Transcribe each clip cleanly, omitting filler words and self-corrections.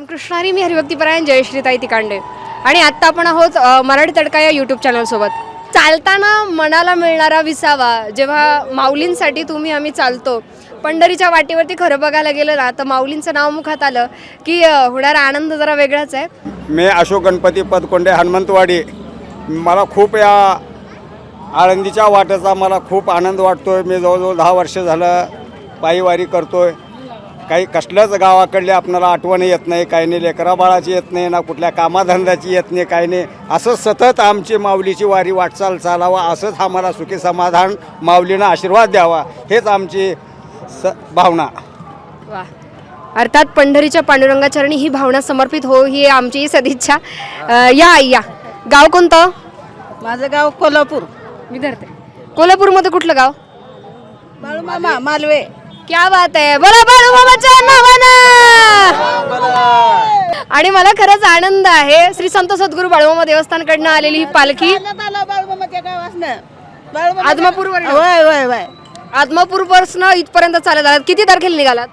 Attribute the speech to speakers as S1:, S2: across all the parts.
S1: रामकृष्ण हरी. मी हरिभक्तीपरायण जयश्रीताई तिकांडे आणि आत्ता आपण आहोत मराठी तडका या यूट्यूब चॅनलसोबत. चालताना मनाला मिळणारा विसावा जेव्हा माऊलींसाठी तुम्ही आम्ही चालतो, पंढरीच्या वाटेवरती खरं बघायला गेलं ना तर माऊलींचं नाव मुखात आलं की होणारा आनंद जरा वेगळाच आहे.
S2: मी अशोक गणपती पदकोंडे हनुमंतवाडी. मला खूप या आळंदीच्या वाटेचा मला खूप आनंद वाटतो आहे. मी जवळजवळ 10 वर्ष झालं पायीवारी करतो आहे. काही कसल्याच गावाकडले आपणाला आठवण येत नाही, काही नाही लेकरा बाळाची येत नाही, ना कुठल्या कामाधंद्याची येत नाही, काही नाही. असं सतत आमची माऊलीची वारी वाटचाल चालावा, असंच आम्हाला सुखी समाधान माऊलीनं आशीर्वाद द्यावा, हेच आमची भावना.
S1: वा, अर्थात पंढरीच्या पांडुरंगाचरणी ही भावना समर्पित हो ही आमची सदिच्छा. या गाव कोणतं?
S3: माझं गाव कोल्हापूर.
S1: मी धरते. कोल्हापूरमध्ये कुठलं गाव?
S3: बाळूमामा मालवे.
S1: क्या बात आहे. बोला बाळूमामाच्या नावानं. आणि मला खरंच आनंद आहे. श्री संत सद्गुरू बाळूमामा देवस्थानकडनं आलेली ही पालखी
S3: बाळूमामाच्या गावासनं
S1: आदमापूर
S3: वय वय वय
S1: आदमापूर पासून इथपर्यंत चालत आलात. किती तारखेला निघालात?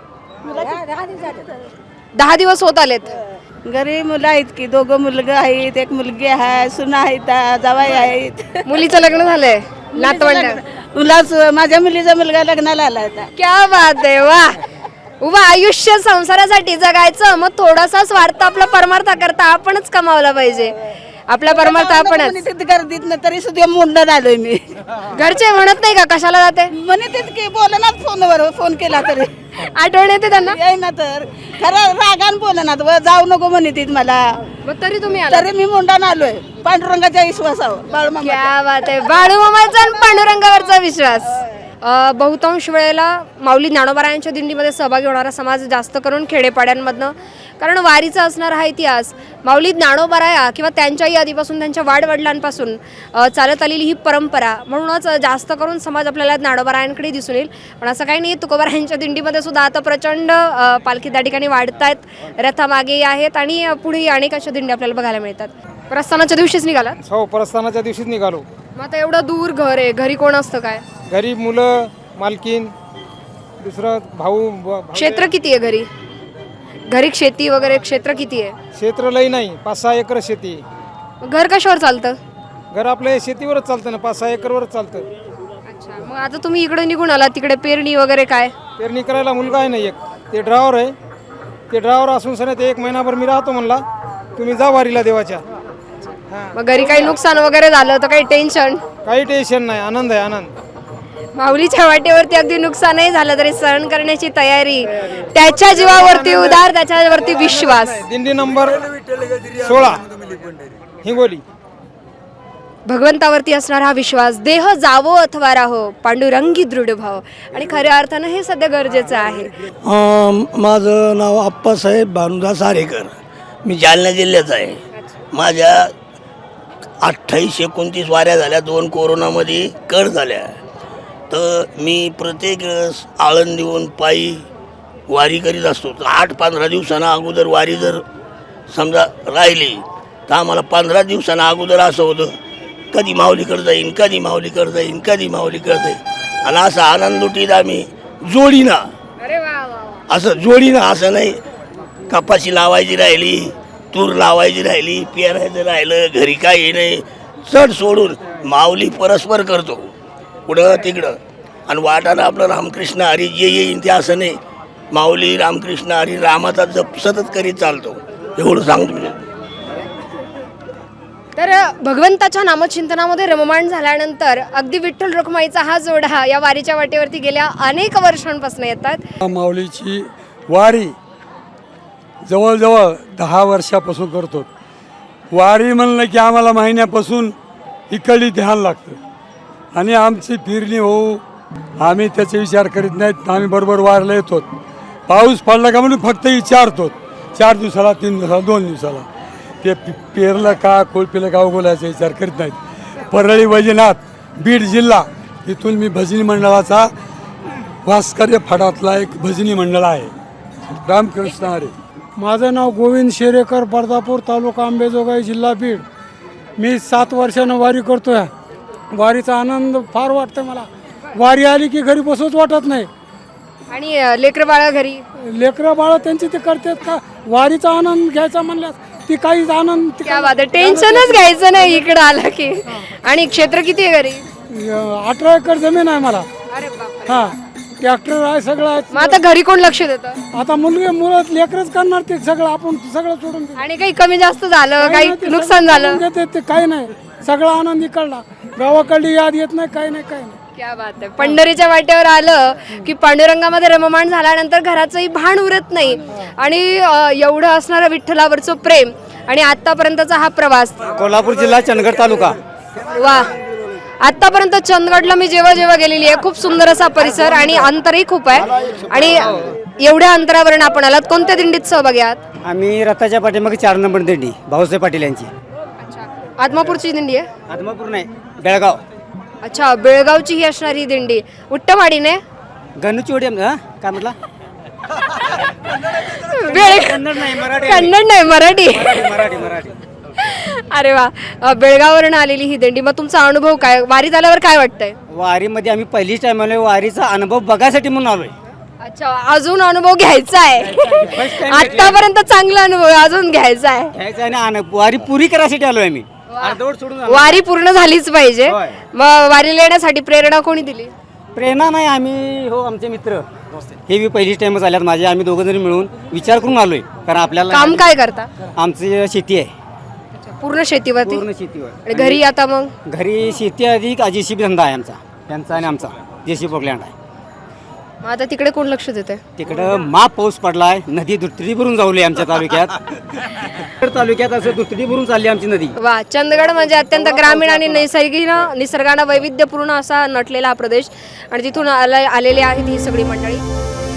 S1: 10 दिवस होत आलेत.
S3: घरी मुलं आहेत की 2 मुलगा आहेत, 1 मुलगी आहे, सुना आहेत, जावाई आहेत.
S1: मुलीचं लग्न झालंय? नातवंड?
S3: मुलाच माझ्या मुलीचा मुलगा लग्नाला आला होता.
S1: क्या बात आहे. वा उभा आयुष्य संसारासाठी जगायचं, मग थोडासा स्वार्थ आपला परमार्थ करता आपणच कमावला पाहिजे. आपला परमार्थ आपणच.
S3: गर्दीत ना तरी सुद्धा मुंडन आलोय मी.
S1: घरचे म्हणत नाही का कशाला जाते?
S3: म्हणते की बोलनात फोनवर, फोन केला तरी
S1: आठवण येते त्यांना?
S3: ना तर खरं रागान बोलनात, जाऊ नको म्हणते मला.
S1: मग तरी तुम्ही आला?
S3: तरी मी मुंडन आलोय पांडुरंगाच्या विश्वासावर. बाळूमामा
S1: क्या बात आहे. बाळूमामाचा आणि पांडुरंगावरचा विश्वास. बहुतांश वेळेला माऊली ज्ञानोबारायांच्या दिंडीमध्ये सहभागी होणारा समाज जास्त करून खेडेपाड्यांमधनं, कारण वारीचा असणारा हा इतिहास माऊली ज्ञानोबाराया किंवा त्यांच्याही आधीपासून त्यांच्या वाडवडिलांपासून चालत आलेली ही परंपरा, म्हणूनच जास्त करून समाज आपल्याला ज्ञानोबारायांकडे दिसून येईल. पण असं काही नाही, तुकोबारायांच्या दिंडीमध्ये सुद्धा आता प्रचंड पालखी त्या ठिकाणी वाढत आहेत, रथामागेही आहेत आणि पुढेही अनेक अशा दिंडी आपल्याला बघायला मिळतात. प्रस्थानाच्या दिवशीच निघाला?
S4: हो, प्रस्थानाच्या दिवशीच निघालो.
S1: मग आता एवढं दूर घर आहे, घरी कोण असतं काय?
S4: घरी मुलं, मालकीन, दुसरं भाऊ.
S1: क्षेत्र किती आहे घरी? घरी शेती वगैरे क्षेत्र किती आहे?
S4: क्षेत्र लई नाही, 5-6 एकर शेती.
S1: घर कशावर चालतं?
S4: घर आपल्या शेतीवरच चालतं ना, 5-6 एकरवरच चालतं.
S1: अच्छा, मग आता तुम्ही इकडे निघून आला, तिकडे पेरणी वगैरे काय?
S4: पेरणी करायला मुलगा आहे ना एक, ते ड्रायव्हर आहे. ते ड्रायव्हर असून सर ते 1 महिनाभर मी राहतो म्हणला, तुम्ही जा वारीला देवाच्या.
S1: मग घरी काही नुकसान वगैरे झालं तर काही टेन्शन?
S4: काही टेन्शन नाही, आनंद आहे, आनंद.
S1: माऊलीच्या वाटेवरती अगदी नुकसानही झालं तरी सहन करण्याची तयारी, त्याच्या जीवावरती उदार, त्याच्यावरती विश्वास.
S4: दिंडी नंबर 16 हिंगोली.
S1: भगवंतावरती असणारा हा विश्वास, देह जावो अथवा राहो, पांडुरंगी दृढ भाव, आणि खऱ्या अर्थानं हे सध्या गरजेचं आहे.
S5: माझं नाव आप्पासाहेब भानुदास आरेकर. मी जालना जिल्ह्याचा आहे. माझ्या 28-29 वाऱ्या झाल्या, 2 कोरोनामध्ये कड झाल्या. तर मी प्रत्येक वेळेस आळंदीहून पायी वारी करीत असतो. 8-15 दिवसांना अगोदर वारी जर समजा राहिली तर आम्हाला 15 दिवसांना अगोदर असं होतं, कधी माऊलीकडे जाईन, कधी माऊलीकडे जाईन, कधी माऊलीकडे जाईन. आणि असा आनंद लुटीत आम्ही जोडीना, असं जोडीना, असं नाही कपाशी लावायची राहिली, तूर लावायची राहिली, पेरायचं राहिलं, घरी काही नाही, चढ सोडून माऊली परस्पर करतो पुढं तिकडं. आणि वाटानं आपलं रामकृष्ण हरी जे येईन ते, असं नाही माऊली रामकृष्ण हरी रामाचा जप सतत करीत चालतो, एवढं सांगतो.
S1: तर भगवंताच्या नामचिंतनामध्ये रममाण झाल्यानंतर अगदी विठ्ठल रखुमाईचा हा जोडा या वारीच्या वाटेवरती गेल्या अनेक वर्षांपासून येतात.
S6: माऊलीची वारी जवळजवळ 10 वर्षापासून करतो. वारी म्हणलं की आम्हाला महिन्यापासून इकडली ध्यान लागतं आणि आमची फिरणी होऊ, आम्ही त्याचे विचार करीत नाहीत. आम्ही बरोबर वारीला येतो. पाऊस पडला का म्हणून फक्त विचारतो, 4 दिवसाला, 3 दिवसाला, 2 दिवसाला. ते पेरलं का कोळपीलं का उगवल्याचा विचार करीत नाहीत. परळी वैजनाथ बीड जिल्हा, इथून मी भजनी मंडळाचा भास्कर्य फाडातला एक भजनी मंडळ आहे. रामकृष्ण हरी.
S7: माझं नाव गोविंद शेरेकर, बर्दापूर तालुका अंबेजोगाई जिल्हा बीड. मी 7 वर्षानं वारी करतोय. वारीचा आनंद फार वाटतं मला. वारी आली की घरी बसूच वाटत नाही.
S1: आणि लेकरं बाळा घरी
S7: लेकरं बाळ त्यांची ते करतात का वारीचा आनंद घ्यायचा म्हणल्यास ती काहीच आनंद
S1: क्या बात आहे, टेन्शनच घ्यायचं नाही इकडं आलं की. आणि क्षेत्र किती आहे घरी?
S7: 18 एकर जमीन आहे मला.
S1: अरे बापरे.
S7: हा ट्रॅक्टर आहे सगळं आहे.
S1: मग आता घरी कोण लक्ष देतं?
S7: आता मुलं लेकरच करणार ते सगळं, आपण सगळं सोडून देऊ.
S1: आणि काही कमी जास्त झालं, काही
S7: नाही, ते
S1: नुकसान
S7: सगळं
S1: झालं?
S7: सोडून देते, ते काही नाही, सगळा आनंद इकडला. गावाकडली याद येत नाही, काही नाही, काही नाही.
S1: क्या बात आहे. पंढरीच्या वाटेवर आलं की पांडुरंगामध्ये रममाण झाल्यानंतर घराचंही भान उरत नाही. आणि एवढं असणारं विठ्ठलावरचं प्रेम आणि आतापर्यंतचा हा प्रवास.
S2: कोल्हापूर जिल्हा चंदगड तालुका.
S1: वा, आतापर्यंत चंदगडला मी जेव्हा जेव्हा गेलेली आहे, खूप सुंदर असा परिसर आणि अंतरही खूप आहे. आणि एवढ्या अंतरावरून आपण आलात, कोणत्या दिंडीत सहभागी आहात?
S2: आम्ही रथाच्या पाठीमागे 4 नंबर दिंडी भाऊसाहेब पाटील यांची.
S1: आदमापूरची दिंडी आहे?
S2: आदमापूर नाही, बेळगाव.
S1: अच्छा, बेळगावची ही असणारी दिंडी. उट्टवाडीने
S2: गणूची काय म्हटलं?
S1: कन्नड नाही, मराठी.
S2: मराठी.
S1: अरे वा, बेळगाववरून आलेली ही दिंडी. मग तुमचा अनुभव काय, वारीत आल्यावर काय वाटतंय?
S2: वारीमध्ये आम्ही पहिलीच टाइम आलोय, वारीचा अनुभव बघायसाठी म्हणून आलोय.
S1: अच्छा, अजून अनुभव घ्यायचा आहे. आतापर्यंत चांगला अनुभव आहे, अजून घ्यायचा आहे.
S2: घ्यायचं आणि वारी पुरी करायसाठी आलोय आम्ही. अर्धवट सोडून आलो.
S1: वारी पूर्ण झालीच पाहिजे.
S2: होय.
S1: मग वारीला येण्यासाठी प्रेरणा कोणी दिली?
S2: प्रेरणा नाही, आम्ही आमचे मित्र हे बी पहिलीच टाइमच आल्यात माझे. आम्ही दोघं जणी मिळून विचार करून आलोय, कारण आपल्याला
S1: काम काय करता?
S2: आमची शेती आहे,
S1: पूर्ण शेतीवरती.
S2: पूर्ण शेतीवर.
S1: आणि घरी आता मग
S2: घरी शेती अधिक जेसीबी धंदा आहे आमचा, त्यांचा आणि आमचा जेसीबी प्लॅन्ट आहे.
S1: मग आता तिकडे कोण लक्ष देते?
S2: तिकडं माप पाऊस पडलाय, नदी दुथडी भरून जाऊली आमच्या तालुक्यात असं दुथडी भरून चालली आमची नदी.
S1: वा, चंदगड म्हणजे अत्यंत ग्रामीण आणि निसर्गानं वैविध्यपूर्ण असा नटलेला हा प्रदेश. आणि तिथून आलेले आहेत ही सगळी मंडळी.